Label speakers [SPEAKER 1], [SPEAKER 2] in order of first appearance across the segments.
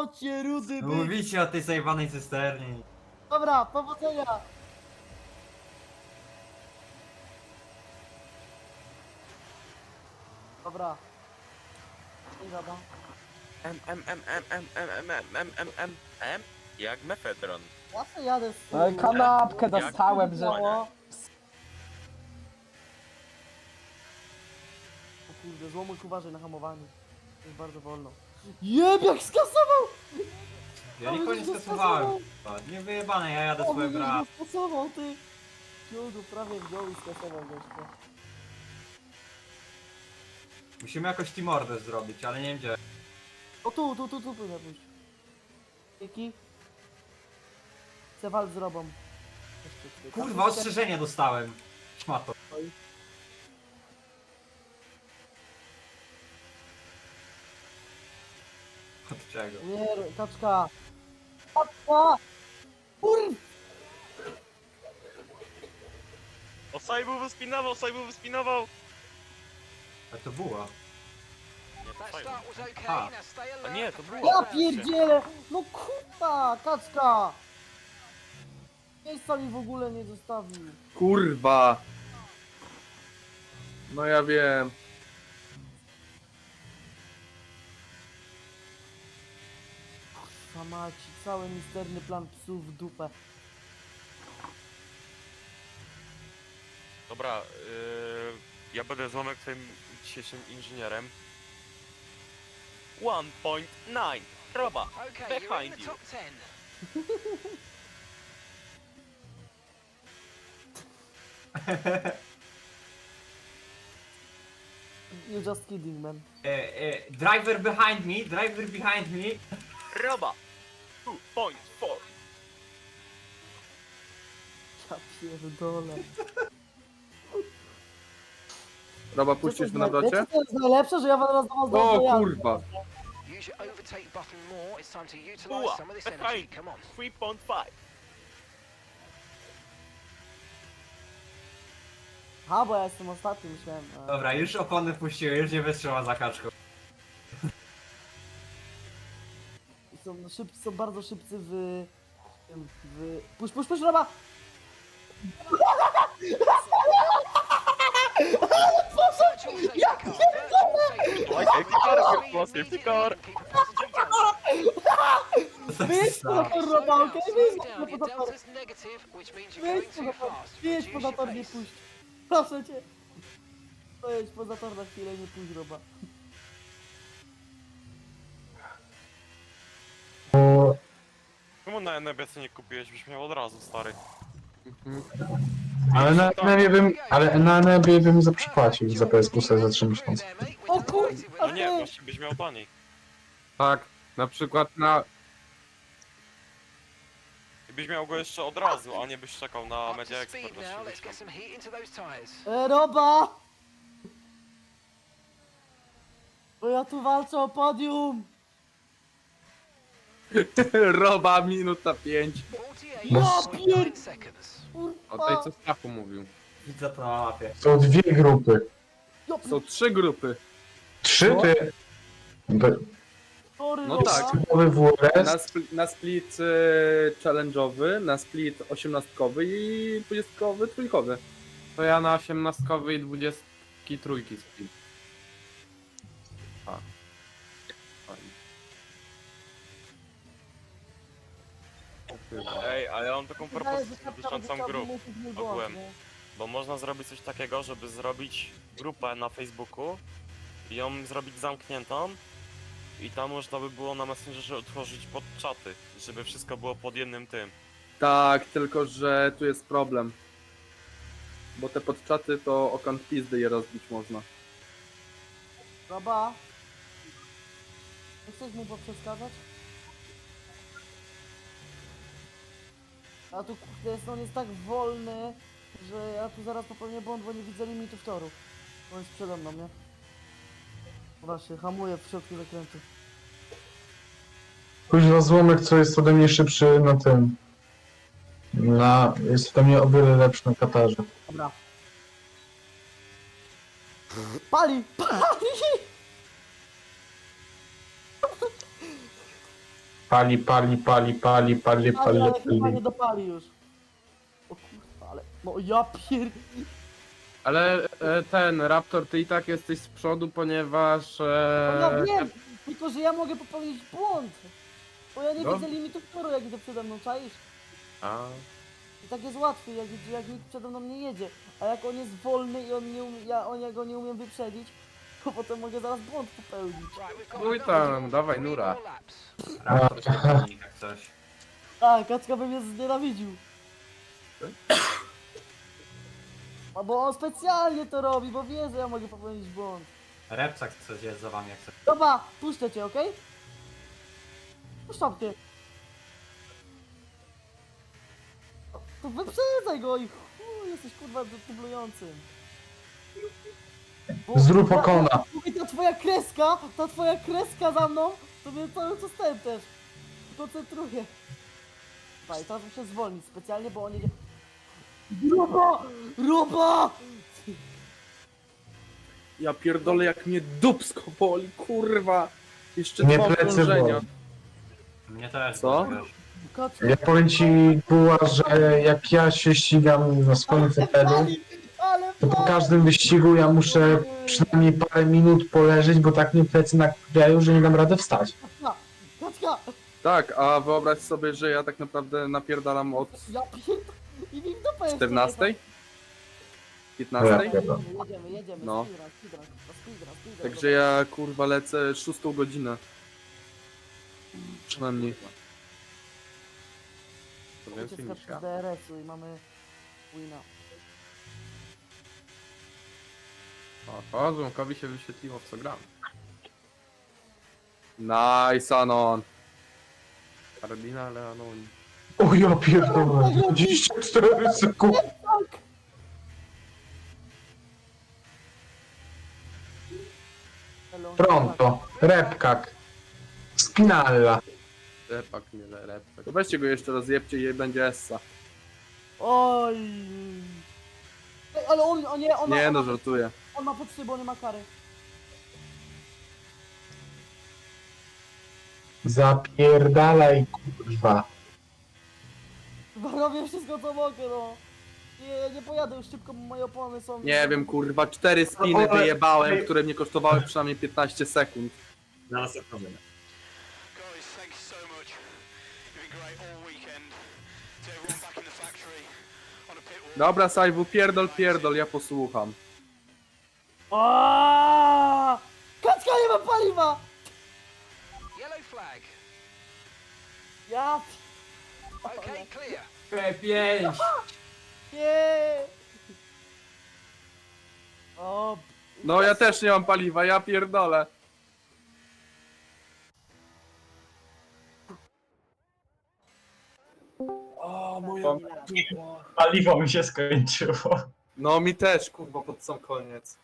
[SPEAKER 1] Chodźcie, rudy byk.
[SPEAKER 2] Mówicie o tej zajwanej cysternie.
[SPEAKER 1] Dobra, powodzenia. Dobra. Nie wiadomo.
[SPEAKER 3] Jak mefedron.
[SPEAKER 1] Ja sobie jadę z
[SPEAKER 4] No i kanapkę
[SPEAKER 3] Jak
[SPEAKER 4] dostałem, że...
[SPEAKER 3] dzwonia.
[SPEAKER 1] O kurde, złomyk uważaj na hamowaniu. Jest bardzo wolno. Jeb, jak skasował!
[SPEAKER 2] Ja nikogo nie skasowałem. Nie wyjebane, ja jadę swoje
[SPEAKER 1] widzisz,
[SPEAKER 2] gra.
[SPEAKER 1] go skasował, ty! Wziął go, prawie wziął i skasował gościa.
[SPEAKER 2] Musimy jakoś teamordę zrobić, ale nie wiem gdzie.
[SPEAKER 1] O tu powinien pójść. Dzięki. Chcę walcz z robą. Jeszcze tutaj.
[SPEAKER 2] Kurwa, ostrzeżenie dostałem. Szmato. Od czego?
[SPEAKER 1] Nie, kaczka! Kaczka! Kurwa!
[SPEAKER 3] Osajbu wyspinował!
[SPEAKER 2] A to była.
[SPEAKER 3] Nie, to
[SPEAKER 5] That
[SPEAKER 3] Osajbu.
[SPEAKER 5] start was okay.
[SPEAKER 2] Ah.
[SPEAKER 5] Now stay alert.
[SPEAKER 3] A nie,
[SPEAKER 5] for
[SPEAKER 3] to
[SPEAKER 5] fresh
[SPEAKER 3] było.
[SPEAKER 1] Ja
[SPEAKER 5] rounds.
[SPEAKER 1] pierdzielę! No kurwa, kaczka! Miejsca mi w ogóle nie zostawił.
[SPEAKER 4] Kurwa. No ja wiem.
[SPEAKER 1] Kurwa maci, cały misterny plan psów w dupę.
[SPEAKER 3] Dobra, ja będę złomek twoim dzisiejszym inżynierem. 1.9 Roba,
[SPEAKER 5] Okay, you're in
[SPEAKER 3] behind
[SPEAKER 5] the
[SPEAKER 3] you.
[SPEAKER 5] top 10.
[SPEAKER 1] You're just kidding, man.
[SPEAKER 2] Driver behind me, driver behind me.
[SPEAKER 3] Roba 2.4.
[SPEAKER 1] Ja pierdolę.
[SPEAKER 4] Roba, puścisz mnie na
[SPEAKER 1] Wiecie,
[SPEAKER 4] docie?
[SPEAKER 1] co jest najlepsze, że ja wam raz do was
[SPEAKER 4] O
[SPEAKER 1] dojadę.
[SPEAKER 4] kurwa.
[SPEAKER 5] Use your overtake button more. It's time to utilize
[SPEAKER 3] Uła,
[SPEAKER 5] some of this
[SPEAKER 3] behind.
[SPEAKER 5] energy. Come on.
[SPEAKER 3] 3.5.
[SPEAKER 1] Ha, bo ja jestem ostatni, myślałem.
[SPEAKER 2] Dobra, już opony puściły, już nie wytrzyma za kaczką.
[SPEAKER 1] Są bardzo szybcy Puść, Roba!
[SPEAKER 5] Virtual safety car. Virtual safety car.
[SPEAKER 3] Safety car,
[SPEAKER 5] Speed
[SPEAKER 3] safety car.
[SPEAKER 5] immediately and keep a passenger down.
[SPEAKER 1] Wyjedź poza tor,
[SPEAKER 5] Slow
[SPEAKER 1] Roba,
[SPEAKER 5] down,
[SPEAKER 1] okej?
[SPEAKER 5] slow
[SPEAKER 1] Wyjedź
[SPEAKER 5] down. Your
[SPEAKER 1] poza tor.
[SPEAKER 5] delta's negative, which means you're
[SPEAKER 1] Wyjedź
[SPEAKER 5] going
[SPEAKER 1] poza
[SPEAKER 5] too
[SPEAKER 1] tor,
[SPEAKER 5] fast.
[SPEAKER 1] wyjedź
[SPEAKER 5] Reduce
[SPEAKER 1] poza
[SPEAKER 5] your
[SPEAKER 1] tor, nie
[SPEAKER 5] pace.
[SPEAKER 1] puść. Proszę cię. Wyjedź poza tor na chwilę, nie puść, Roba.
[SPEAKER 3] Czemu na NBC nie kupiłeś? Byś miał od razu, stary.
[SPEAKER 6] Ale na NB bym zapłacił za PS Plusa za 3 miesiące.
[SPEAKER 5] There, mate.
[SPEAKER 1] O
[SPEAKER 5] We're
[SPEAKER 1] kur-
[SPEAKER 5] delighted with
[SPEAKER 3] No
[SPEAKER 5] that.
[SPEAKER 3] nie, właśnie byś miał taniej.
[SPEAKER 4] Tak, na przykład na...
[SPEAKER 3] I byś miał go jeszcze od razu, a nie byś czekał na
[SPEAKER 5] Up
[SPEAKER 3] Media
[SPEAKER 5] to
[SPEAKER 3] Expert
[SPEAKER 5] speed
[SPEAKER 3] na
[SPEAKER 5] now. Let's
[SPEAKER 3] 70.
[SPEAKER 5] get some heat into those tyres.
[SPEAKER 1] Roba! Bo ja tu walczę o podium!
[SPEAKER 4] Roba, minuta 5.
[SPEAKER 5] 48.9 seconds.
[SPEAKER 4] O
[SPEAKER 1] Kurwa!
[SPEAKER 4] tej co Stachu mówił.
[SPEAKER 2] Widzę to na mapie.
[SPEAKER 6] Są dwie grupy.
[SPEAKER 4] Są 3 grupy.
[SPEAKER 6] 3 ty...
[SPEAKER 1] Sorry,
[SPEAKER 4] No
[SPEAKER 1] Roba.
[SPEAKER 4] tak.
[SPEAKER 6] Nowy WRS.
[SPEAKER 4] Na split challenge'owy, na split 18-kowy i 20-kowy trójkowy.
[SPEAKER 7] To ja na 18 i 23 spin.
[SPEAKER 3] Ej, ale ja mam taką
[SPEAKER 1] Wydaje, że
[SPEAKER 3] propozycję
[SPEAKER 1] kapitał
[SPEAKER 3] dotyczącą
[SPEAKER 1] wystawił
[SPEAKER 3] grup.
[SPEAKER 1] musi nie
[SPEAKER 3] ogółem.
[SPEAKER 1] było, nie?
[SPEAKER 3] Bo można zrobić coś takiego, żeby zrobić grupę na Facebooku i ją zrobić zamkniętą i tam można by było na Messengerze otworzyć pod czaty, żeby wszystko było pod jednym tym.
[SPEAKER 4] Tak, tylko że tu jest problem. Bo te podczaty to o kąt pizdy je rozbić można.
[SPEAKER 1] Roba? Nie chcesz mu poprzeskazać? A tu kurde, on jest tak wolny, że ja tu zaraz popełnię błąd, bo nie widzę limitu toru. On jest przede mną, nie? Właśnie, hamuję w środku zakrętu.
[SPEAKER 6] Kuźwa złomek, co jest ode mnie szybszy na tym. Jest ode mnie o wiele lepszy na Katarze.
[SPEAKER 1] Dobra. Pali! Pali!
[SPEAKER 6] Pali.
[SPEAKER 1] Ale chyba nie dopali już. O kurwa, ale... No ja pier...
[SPEAKER 7] Ale ten Raptor, ty i tak jesteś z przodu, ponieważ...
[SPEAKER 1] No ja wiem, tylko że ja mogę popełnić błąd. Bo ja nie
[SPEAKER 7] No.
[SPEAKER 1] widzę limitu toru, jak idę przede mną, czaisz?
[SPEAKER 7] A,
[SPEAKER 1] I tak jest łatwiej, jak nikt przede mną nie jedzie. A jak on jest wolny i on nie ja go nie umiem wyprzedzić, to potem mogę zaraz błąd popełnić.
[SPEAKER 5] Right, we've got
[SPEAKER 7] Mój
[SPEAKER 5] another
[SPEAKER 7] tam, dawaj,
[SPEAKER 5] three
[SPEAKER 7] nura.
[SPEAKER 5] more laps.
[SPEAKER 2] Raptor się broni, jak coś.
[SPEAKER 1] Tak, Kacka by mnie znienawidził. A bo on specjalnie to robi, bo wie, że ja mogę popełnić błąd.
[SPEAKER 2] Repcak coś jest za wami, jak coś.
[SPEAKER 1] Dobra, puszczę cię, okej? Puszczam cię. To wyprzedzaj go i chuj, jesteś kurwa dublującym. Bo-
[SPEAKER 6] Zrób okona.
[SPEAKER 1] Mówię, ta twoja kreska za mną, to mnie cały czas ten też koncentruje. Daj, teraz muszę zwolnić specjalnie, bo on jedzie... Roba!
[SPEAKER 4] Ja pierdolę, jak mnie dupsko boli, kurwa. Jeszcze
[SPEAKER 6] Nie
[SPEAKER 4] dwa
[SPEAKER 6] plecy
[SPEAKER 4] okrążenia.
[SPEAKER 6] boli.
[SPEAKER 2] Mnie też,
[SPEAKER 4] Co?
[SPEAKER 2] wiesz.
[SPEAKER 1] Kacka,
[SPEAKER 6] Ja powiem ci, Buła, że jak ja się ścigam na swoim fotelu,
[SPEAKER 1] ale
[SPEAKER 6] to po każdym wyścigu ja muszę przynajmniej parę minut poleżeć, bo tak mnie plecy nakrajają, że nie dam rady wstać.
[SPEAKER 1] Kacka!
[SPEAKER 4] Tak, a wyobraź sobie, że ja tak naprawdę napierdalam od
[SPEAKER 1] Ja pierd... I mi w dupę jeszcze
[SPEAKER 4] 14?
[SPEAKER 1] jechał.
[SPEAKER 4] 15?
[SPEAKER 6] Ja pierdolę.
[SPEAKER 1] Jedziemy,
[SPEAKER 4] No.
[SPEAKER 1] speedrun.
[SPEAKER 4] Także ja kurwa lecę 6 godzinę. Przynajmniej.
[SPEAKER 7] to więcej niż ja.
[SPEAKER 1] z DRS-u i mamy wina.
[SPEAKER 7] O, Złomkowi się wyświetliło, w co gram.
[SPEAKER 4] Nice, Anon.
[SPEAKER 7] Kardinale Anon.
[SPEAKER 6] O ja pierdolę, 24 sekundy. Pronto, repkak, spinalla.
[SPEAKER 7] Repak, nie repek.
[SPEAKER 4] To weźcie go jeszcze raz, jebcie i będzie Essa.
[SPEAKER 1] Oj! Ej, ale on nie, on
[SPEAKER 4] Nie
[SPEAKER 1] ma,
[SPEAKER 4] no,
[SPEAKER 1] on, ma,
[SPEAKER 4] żartuję.
[SPEAKER 1] on ma pod szybą, nie ma kary.
[SPEAKER 6] Zapierdalaj, kurwa.
[SPEAKER 1] Chyba robię wszystko co mogę, no. Nie pojadę już szybko, bo moje opony są...
[SPEAKER 4] Nie wiem, kurwa, 4 spiny
[SPEAKER 6] Ale-
[SPEAKER 4] wyjebałem, które mnie kosztowały przynajmniej 15 sekund.
[SPEAKER 2] Zaraz odpowiem.
[SPEAKER 5] Guys, thank you so much. You've been great all weekend. To everyone back in the factory on a pit wall.
[SPEAKER 4] Dobra, Sajwu, pierdol, ja posłucham.
[SPEAKER 1] Aaaa! Kaczka nie ma paliwa!
[SPEAKER 5] Yellow flag.
[SPEAKER 1] Ja...
[SPEAKER 5] Okay, clear.
[SPEAKER 2] P5!
[SPEAKER 1] Nie! O...
[SPEAKER 4] No ja też nie mam paliwa, ja pierdolę. O, moja dupa.
[SPEAKER 8] Paliwo mi się skończyło.
[SPEAKER 4] No mi też, kurwa, pod sam koniec.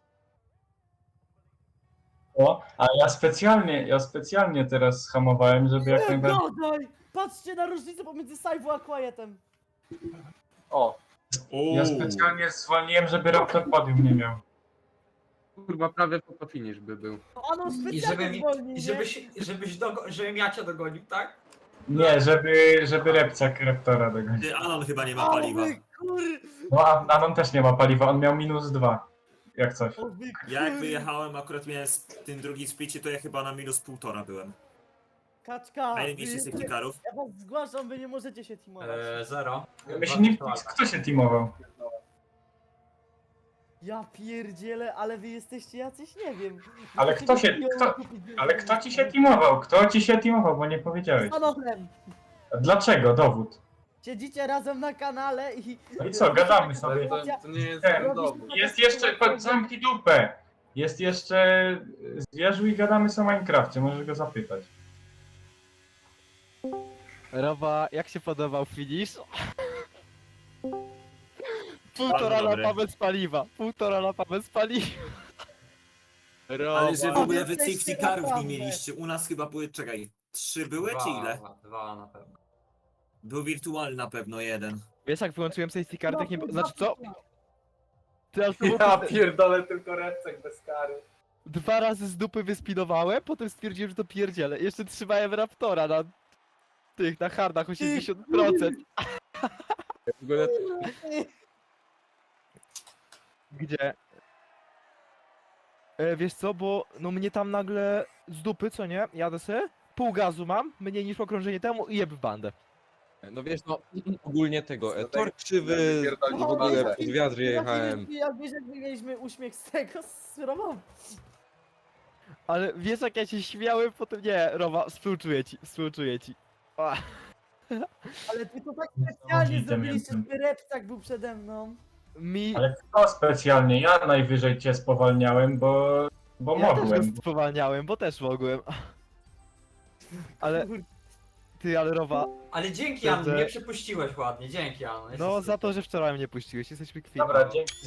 [SPEAKER 8] O, a ja specjalnie teraz hamowałem, żeby jak
[SPEAKER 1] Nie
[SPEAKER 8] najbardziej...
[SPEAKER 1] gadaj! Patrzcie na różnicę pomiędzy Saifu a Quietem.
[SPEAKER 4] O,
[SPEAKER 8] Ja specjalnie zwolniłem, żeby Raptor podium nie miał.
[SPEAKER 7] Kurwa, prawie po finish by był.
[SPEAKER 1] Ano
[SPEAKER 2] I
[SPEAKER 1] specjalnie zwolni, nie?
[SPEAKER 2] żebym ja cię dogonił, tak?
[SPEAKER 8] Nie, żeby Repcak Raptora dogonił.
[SPEAKER 9] Ty, Anon chyba nie ma
[SPEAKER 1] O
[SPEAKER 9] paliwa.
[SPEAKER 1] wy kur...
[SPEAKER 8] No a Anon też nie ma paliwa, on miał -2. Jak coś.
[SPEAKER 1] O wy
[SPEAKER 9] Ja jak
[SPEAKER 1] kur...
[SPEAKER 9] wyjechałem, akurat miałem tym drugim splicie, to ja chyba na -1,5 byłem.
[SPEAKER 1] Kaczka!
[SPEAKER 9] A ile mieliście safety carów?
[SPEAKER 1] Ja was zgłaszam, wy nie możecie się teamować.
[SPEAKER 2] 0.
[SPEAKER 8] My się nie... Kto się teamował?
[SPEAKER 1] Ja pierdzielę, ale wy jesteście jacyś, nie wiem.
[SPEAKER 8] Ale kto się- Ale kto ci się teamował? Kto ci się teamował, bo nie powiedziałeś.
[SPEAKER 1] Z Anonem!
[SPEAKER 8] Dlaczego? Dowód.
[SPEAKER 1] Siedzicie razem na kanale i...
[SPEAKER 8] No i co, gadamy
[SPEAKER 4] ale
[SPEAKER 8] sobie.
[SPEAKER 4] to nie jest
[SPEAKER 8] Ten,
[SPEAKER 4] dowód.
[SPEAKER 8] Jest jeszcze, zamknij dupę. Jest jeszcze Zwierzu i gadamy sobie o Minecrafcie, możesz go zapytać.
[SPEAKER 10] Roba, jak się podobał finish?
[SPEAKER 9] Bardzo
[SPEAKER 10] Półtora
[SPEAKER 9] dobry.
[SPEAKER 10] lapa bez paliwa. Półtora lapa bez paliwa.
[SPEAKER 9] Ale że w ogóle wy
[SPEAKER 1] jesteście
[SPEAKER 9] safety carów nie
[SPEAKER 1] naprawdę.
[SPEAKER 9] mieliście. U nas chyba były, czekaj, 3 były czy ile?
[SPEAKER 2] 2 na pewno.
[SPEAKER 9] Był wirtualny na pewno jeden.
[SPEAKER 10] Wiesz jak wyłączyłem safety car, tak nie... Znaczy co? Ty aż to było
[SPEAKER 4] Ja pierdolę tylko repcek bez kary.
[SPEAKER 10] 2 razy z dupy wyspinowałem, potem stwierdziłem, że to pierdzielę. Jeszcze trzymałem Raptora na tych, na hardach 80%.
[SPEAKER 7] W ogóle
[SPEAKER 10] Gdzie? Wiesz co, bo no mnie tam nagle z dupy, co nie? Jadę sobie, pół gazu mam, mniej niż okrążenie temu i jeb w bandę.
[SPEAKER 11] No wiesz, no ogólnie tego,
[SPEAKER 4] Tutaj-
[SPEAKER 11] tor krzywy i w ogóle pod wiatr jechałem.
[SPEAKER 1] Jak wiesz, jak my mieliśmy uśmiech z tego, z Romą.
[SPEAKER 10] Ale wiesz jak ja się śmiałem potem, nie, Rowa, współczuję ci. Ach.
[SPEAKER 1] Ale ty to tak specjalnie
[SPEAKER 8] Widzę,
[SPEAKER 1] zrobiliście,
[SPEAKER 8] miałem-
[SPEAKER 1] żeby Reptak był przede mną.
[SPEAKER 10] Mi...
[SPEAKER 8] Ale kto specjalnie? Ja najwyżej cię spowalniałem, bo
[SPEAKER 10] Ja też
[SPEAKER 8] mogłem.
[SPEAKER 10] go spowalniałem, bo też mogłem. Ale... Ty, ale Rowa,
[SPEAKER 2] Ale dzięki,
[SPEAKER 10] Kurde.
[SPEAKER 2] Jan, mnie przepuściłeś ładnie, dzięki, Jan.
[SPEAKER 10] no za to, że wczoraj mnie puściłeś, jesteśmy kwitni.
[SPEAKER 8] Dobra, dzięki.